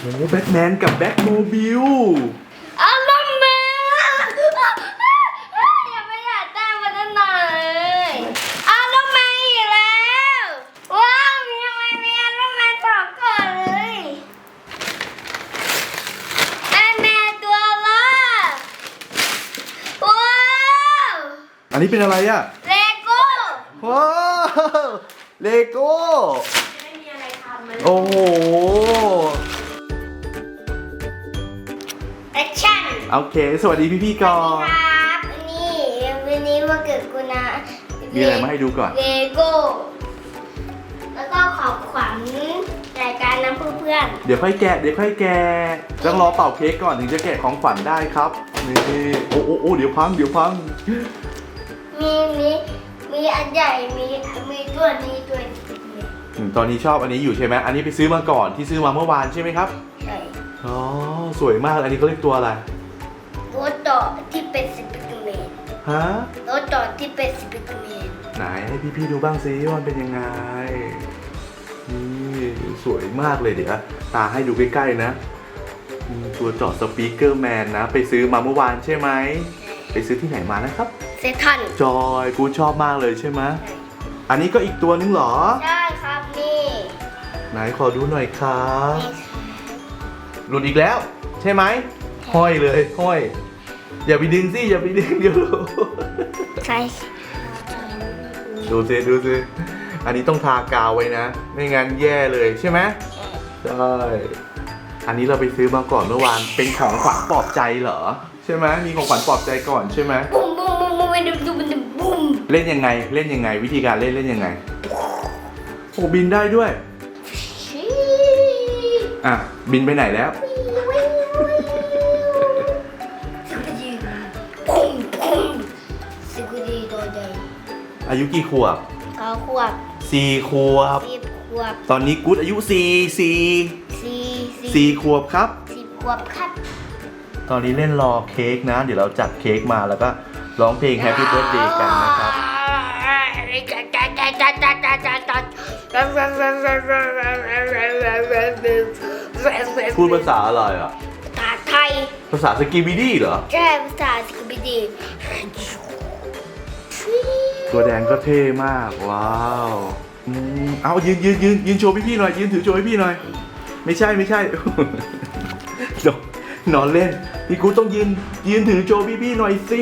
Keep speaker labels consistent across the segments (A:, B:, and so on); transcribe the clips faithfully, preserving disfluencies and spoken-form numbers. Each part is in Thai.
A: โอ้แบทแมนกับแบทโมบิล
B: อารมณ์แมนยังไม่อยากได้มาตั้งนานเลยอารมณ์แมนอีกแล้วว้าวทำไมมีอารมณ์แมนสองก่อนเลยแอนแมนตัวละว้าว
A: อันนี้เป็นอะไรอะ
B: เลโก้
A: ว้าวเลโก้
B: ไม่มีอะไรทำเลย
A: โอ้โห
B: แอคชั่น
A: โอเคสวัสดีพี่ๆก่อน
B: ครับนี่วันนี้วันเกิดกูนะ
A: มีอะไรมาให้ดูก่อน
B: เลโก้แล้วก็ของขวัญรายการน้ำเพื่อน
A: เดี๋ยวค่อยแกะเดี๋ยวค่อยแกะต้องรอเป่าเค้กก่อนถึงจะแกะของขวัญได้ครับนี่โอ้โอ้โอ้เดี๋ยวพังเดี๋ยวพัง
B: มีมีมีอันใหญ่มีมีตัวนี้ตัวนี้
A: ตอนนี้ชอบอันนี้อยู่ใช่ไหมอันนี้ไปซื้อมาก่อนที่ซื้อมาเมื่อวานใช่ไหมครับ
B: ใช่
A: อ๋อสวยมากอันนี้เขาเรียกตัวอะไร
B: รถต่อที่เป็นสปิเกอร์แมน
A: ฮะ
B: รถต่อที่เป็นสปิเกอร์แมน
A: ไหนให้พี่ๆดูบ้างซิว่ามันเป็นยังไงนี่สวยมากเลยเดี๋ยวตาให้ดูใกล้ๆนะตัวจอดสปีกเกอร์แมนนะไปซื้อมาเมื่อวานใช่ไหมไปซื้อที่ไหนมานะครับ
B: เซทัน
A: จอยกูชอบมากเลยใช่ไหมอันนี้ก็อีกตัวนึงเหรอ
B: ใช่ครับนี่
A: ไหนขอดูหน่อยครับหลุดอีกแล้วใช่ไหมห้อยเลยห้อยอย่าไปดึงสิอย่าไปดึงเดี๋ยว
B: ใช่
A: ดูสิดูสิอันนี้ต้องทากาวไว้นะไม่งั้นแย่เลยใช่ไหมใช่อันนี้เราไปซื้อมาก่อนเมื่อวานเป็นของขวัญปลอบใจเหรอใช่ไหมมีของขวัญปลอบใจก่อนใช่ไหม
B: บุ้มบุ้มบุ้มบุ้มบุ้มบุ้มบุ้ม
A: เล่นยังไงเล่นยังไงวิธีการเล่นเล่นยังไงโอ้บินได้ด้วยอ่ะบินไปไหนแล้วอายุกี่ขวบ
B: เก้าขวบ
A: สี่ขวบ
B: สิบขวบ
A: ตอนนี้กู๊ดอายุสี่สี่
B: สี่
A: สี่ขวบครับ
B: สิบขวบครับ
A: ตอนนี้เล่นรอเค้กนะเดี๋ยวเราจัดเค้กมาแล้วก็ร้องเพลง Happy Birthday กันนะครับพูดภาษาอะไรอ่ะ
B: ภาษาไทย
A: ภาษาสกีบิดี้เหรอ
B: ใช่ภาษาสกีบิดี้
A: ตัวแดงก็เท่มากว้าวอืมเอายืนยืนยืนยืนโชว์พี่ๆหน่อยยืนถือโชว์ให้พี่หน่อยไม่ใช่ไม่ใช่นอนเล่นพี่กูต้องยืนยืนถือโชว์พี่ๆหน่อยสิ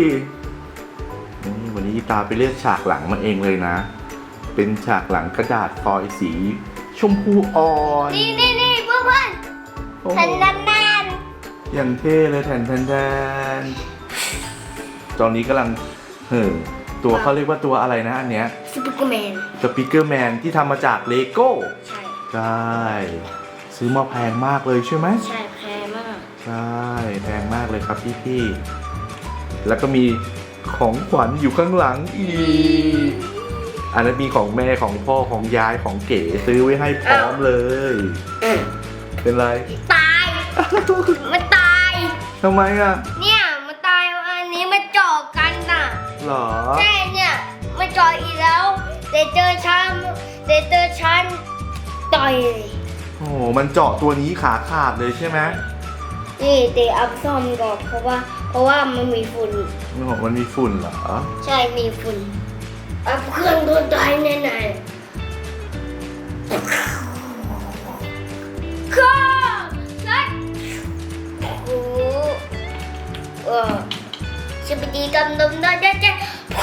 A: วันนี้ตาไปเลือกฉากหลังมาเองเลยนะเป็นฉากหลังกระดาษฟอยล์สีชมพูอ่อน
B: นี่นี่นี่เพื่อนเพื่อนแทนแทนแทน
A: อย่างเท่เลยแทนแทนแทนตอนนี้กำลังเห่อตัวเขาเรียกว่าตัวอะไรนะอันเนี้ย
B: สปิเกอร์แมน
A: สปิเกอร์แมนที่ทำมาจากเลโก้
B: ใช่
A: ใช่ซื้อมาแพงมากเลยใช่ไหม
B: ใช่แพงมาก
A: ใช่แพงมากเลยครับพี่พี่แล้วก็มีของขวัญอยู่ข้างหลังอีกอันนั้นมีของแม่ของพ่อของยายของเก๋ซื้อไว้ให้พร้อมเลยเป็นไร
B: ตายมันตาย
A: ทำไมอ่ะ
B: เนี่ยมันตายอันนี้มันเจาะกันน่ะ
A: หรอ
B: ใช่เนี่ยมันเจาะอีกแล้วเดเจอชันเดเจอชันต่อย
A: โอ้มันเจาะตัวนี้ขาขาดเลยใช่ไหม
B: นี่เดอัพซ่อมก่อนเพราะว่าเพราะว่ามันมีฝุ่น
A: มันมีฝุ่นเหรอ
B: ใช่มีฝุ่นอัพเครื่องโดนตายแน่ๆเครื่องนัดโอ้โหเออชิบดีกำลังได้เจ๊เจ๊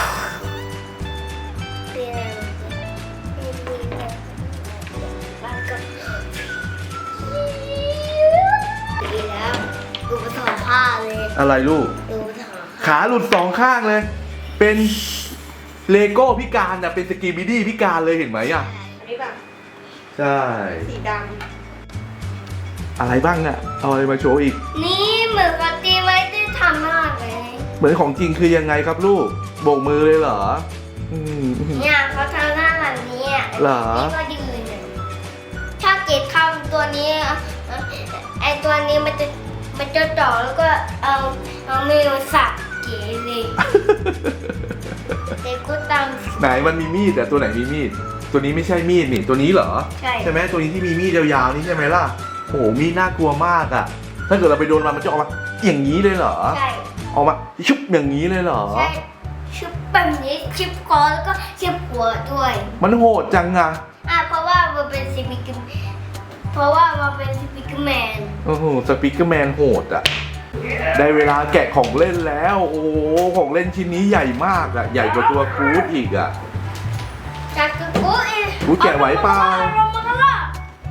B: ดูภาษาผ้าเลย
A: อะไรลูก
B: ดูภาษา
A: ขาหลุดสองข้างเลยเป็นเลโก้พิการอ่ะเป็นสกีบิดี้พิการเลยเห็นไหมอ่ะ
B: นี่แบบ
A: ใช่
B: สีด
A: ำอะไรบ้างอ่ะเอาอะไรมาโชว์อีก
B: นี่เหมือนกับตีไว้ที่ทำมากเลย
A: เหมือนของจริงคือยังไงครับลูกโบกมือเลยเหรอ
B: เนี่ยเขาทำหน้าแบบนี้อ่ะ
A: เหรอ
B: นี่ก็ยืนถ้าเกตทำตัวนี้ไอตัวนี้มันจะมันจะจ่อแล้วก็เอาเอามือสับเก๋เลยเด็กก็ตาม
A: ไหนมันมีมีดแต่ตัวไหนมีมีดตัวนี้ไม่ใช่มีดนี่ตัวนี้เหรอ
B: ใช่
A: ใช่ไหมตัวนี้ที่มีมีดยาวๆนี่ใช่ไหมล่ะโอ้โหมีน่ากลัวมากอะถ้าเกิดเราไปโดนมันมันจะออกมาอย่างนี้เลยเหรอ
B: ใช่
A: ออกมาชุบอย่างนี้เลยเหรอ
B: ใช่ชิปแบบนี้ชิปคอแล้วก็ชิปหัวด้วย
A: มันโหดจังอะ
B: อ่ะเพราะว่ามันเป็นซิมิกเพราะว่ามันเป็นซิมิกแมน
A: โอ้โหสปีกเกอร์แมนโหดอะได้เวลาแกะของเล่นแล้ว โอ้โหของเล่นชิ้นนี้ใหญ่มากอะใหญ่กว่าตัวกู๊ดอีกอะ
B: จากกูกูอีก
A: กูแกะไหวเปล่า
B: ลงมาแล้วล่ะ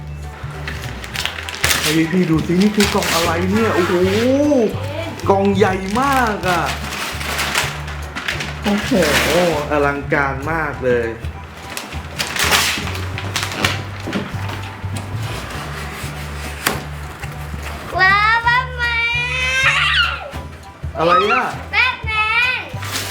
A: ไอพี่ดูสินี่คือกล่องอะไรเนี่ยโอ้โหกล่องใหญ่มากอะโอ้โหอลังการมากเลย
B: ว้าวแบทแมน
A: อะไรอะ
B: แบทแมน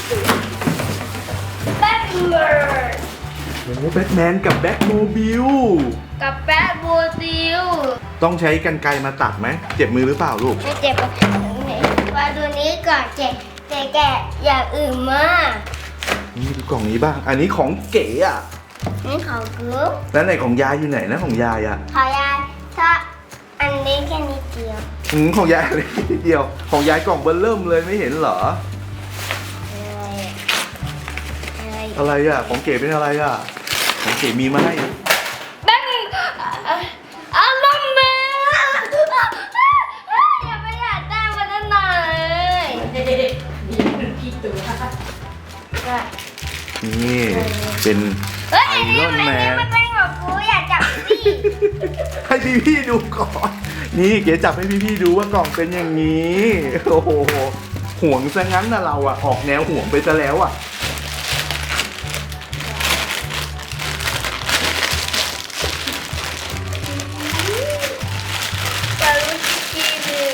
B: แบทแมน
A: โอ้โหแบทแมนกับแบทโมบิล
B: กับแบทโบติล
A: ต้องใช้กรรไกรมาตัดไหมเจ็บมือหรือเปล่าลูก
B: ไม่เจ็บมาดูนี้ก่อนแกะแกะแกะอย่างอื่นมาก
A: นี่ดูกล่องนี้บ้าง อันนี้ของเก๋อะ
B: นี่ของกู
A: แล้วไหนของยายอยู่ไหนนะของยายอะ
B: ขอยายถ้าอันนี้แค่นิดเดียว
A: อืมของยายอะไรนิดเดียว ของยายกล่องเบอร์เริ่มเลยไม่เห็นเหรอ
B: อะไร
A: อะไรอะของเก๋เป็นอะไรอะของเก๋มีมาให้
B: แบทอารมณ์แมนอย่าไปอยากได้มาตั้งนานเลย
A: นี่เป็น
B: เฮ้ย
A: ไอ
B: อันนี้
A: รอน
B: อัน
A: แม
B: นี้
A: น
B: มันเป็นของกูอยากจับสิ
A: ให้พี่พี่ๆดูก่อน นี่เก๋จับให้พี่พี่ๆดูว่ากล่องเป็นอย่างนี้ โอ้โหห่วงซะงั้นนะเราอะออกแนวห่วงไปซะแล้วอะ
B: จะรู้จีเลย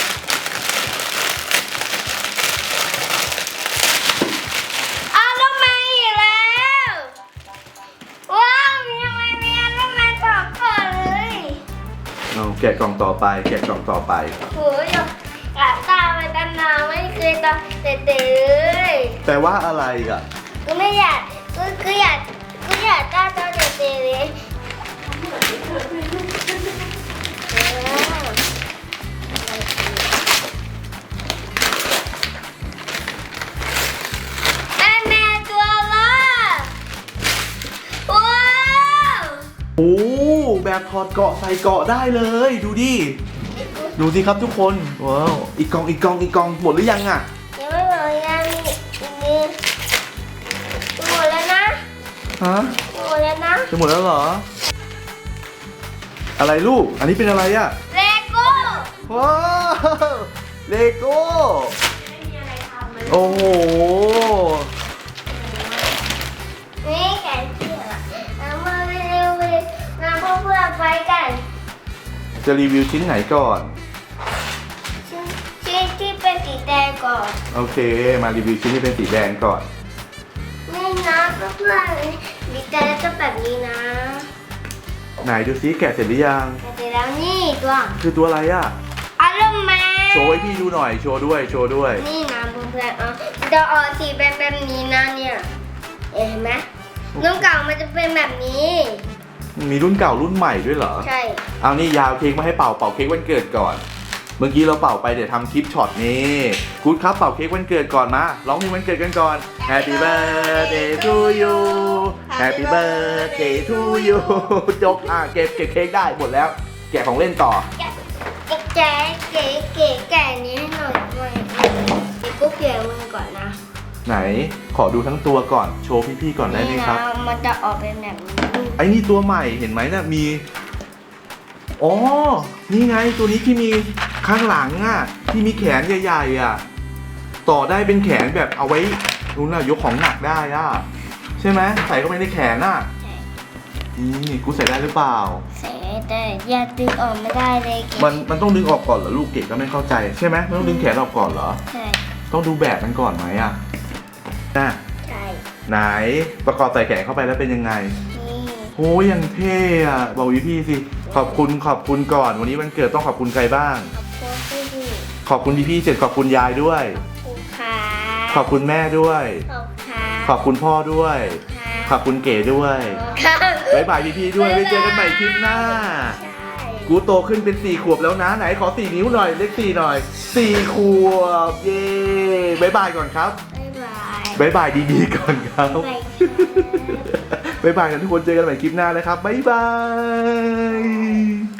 B: อารมณ์แมนอีกแล้วว้าวมีทำไมมีอารมณ์แมนต่อก่อนเลย
A: เอาแกะกล่องต่อไป แกะกล่องต่อไป
B: โหยกะตามาตั้งนานไม่เคยตาเตะเลย
A: แปลว่าอะไรอะ
B: กูไม่อยากกูกูอยากกูอยากตาตาเตะเลยแม่แม่ตัวละว้าว
A: โอ้แบบถอดเกาะใส่เกาะได้เลย ดูดิ ดูสิครับทุกคน ว้าว อีกกล่องอีกกล่องอีกกล่องหมดหรือยังอะ
B: ยังไม่หมดยังมีอีกนิดหมดแล้วนะ
A: ฮะ
B: หมดแล้วนะ
A: จะหมดแล้วเหรอ อะไรลูก อันนี้เป็นอะไรอะ
B: เลโก้
A: ว้าวเลโก้
B: ไม่มีอะไรทำเลย
A: โอ้โห
B: นี่แขนเสื้อเอามาเร็วๆเลยมาเพื่อนๆไปกัน
A: จะรีวิวชิ้นไหนก่อน
B: ชิ้นชิ้นที่เป็นสีแดงก่อน
A: โอเค มารีวิวชิ้นที่เป็นสีแดงก่อน
B: นี่นะเพื่อนๆสีแดงจะแบบนี้นะ
A: ไหนดูซิแกะเสร็จหรือยัง
B: แต่เสร็จแล้วนี่ตัว
A: คือตัวอะไรอะ
B: อารมณ์แมน
A: โชว์ให้พี่ดูหน่อย โชว์ด้วย โชว์ด้วย
B: นี่นะเพื่อนๆเอาจะออกสีเป็นแบบนี้นะเนี่ยเห็นไหมน้ำเก่ามันจะเป็นแบบนี้
A: มีรุ่นเก่ารุ่นใหม่ด้วยเหรอ
B: ใช่
A: เอานี่ยาวเค้กมาให้เป่าเป่าเค้กวันเกิดก่อน เมื่อกี้เราเป่าไปเดี๋ยวทำคลิปช็อตนี้กู๊ดครับเป่าเค้กวันเกิดก่อนมาร้องเพลงวันเกิดกันก่อน Happy birthday to you Happy birthday to you จบอ่ะเก็บเก็บเค้กได้หมดแล้ว แกะของเล่นต่อ
B: แกะเก๋เก๋แกะนี้ให้หน่อยด้วยเดี๋ยวกูเกลี่ยมือก่อนนะ
A: ไหนขอดูทั้งตัวก่อนโชว์พี่ๆก่อนได้ไหมครับ
B: นี่นะมันจะออกเป็นแบบนี้
A: ไอ้นี่ตัวใหม่เห็นไหมนะ่ะมีอ๋อนี่ไงตัวนี้ที่มีข้างหลังอ่ะที่มีแขนใหญ่ๆอ่ะต่อได้เป็นแขนแบบเอาไว้นู้นน่ะยกของหนักได้อ่ะใช่ไหมใส่เข้าไปในแขนอ่ะ
B: ใช่
A: นี่กูใส่ได้หรือเปล่า
B: ใส่แต่อย่าดึงออกไม่ได้เลยเก๋
A: มันมันต้องดึงออกก่อนเหรอลูกเก๋ก็ไม่เข้าใจใช่ไหมมันต้องดึงแขนออกก่อนเหรอ
B: ใช่
A: ต้องดูแบบมันก่อนไหมอ่ะน่ะ
B: ใช่
A: ไหนประกอบใส่แขนเข้าไปแล้วเป็นยังไง
B: นี่
A: โอ้ยยังเท่อะบอกพี่พี่ๆสิขอบคุณขอบคุณก่อนวันนี้วันเกิดต้องขอบคุณใครบ้าง
B: ขอบคุณพี่
A: ขอบคุณพี่พี่ๆเสร็จขอบคุณยายด้วย
B: ขอบคุณค่ะ
A: ขอบคุณแม่ด้วย
B: ขอบคุณค่ะ
A: ขอบคุณพ่อด้วย ขอบคุณเก๋ด้วย
B: ค่ะ
A: บ๊ายบายพี่พี่ๆด้วยไว้เจอกันใหม่คลิปหน้า
B: ใช่
A: กูโตขึ้นเป็นสี่ขวบแล้วนะไหนขอสี่นิ้วหน่อยเลขสี่หน่อยสี่ขวบเย้บายบายก่อนครับ
B: บ๊ายบาย
A: บายบายดีๆก่อนครับ
B: บ๊ายบาย
A: บายบายกันทุกคนเจอกันใหม่คลิปหน้านะครับบายบาย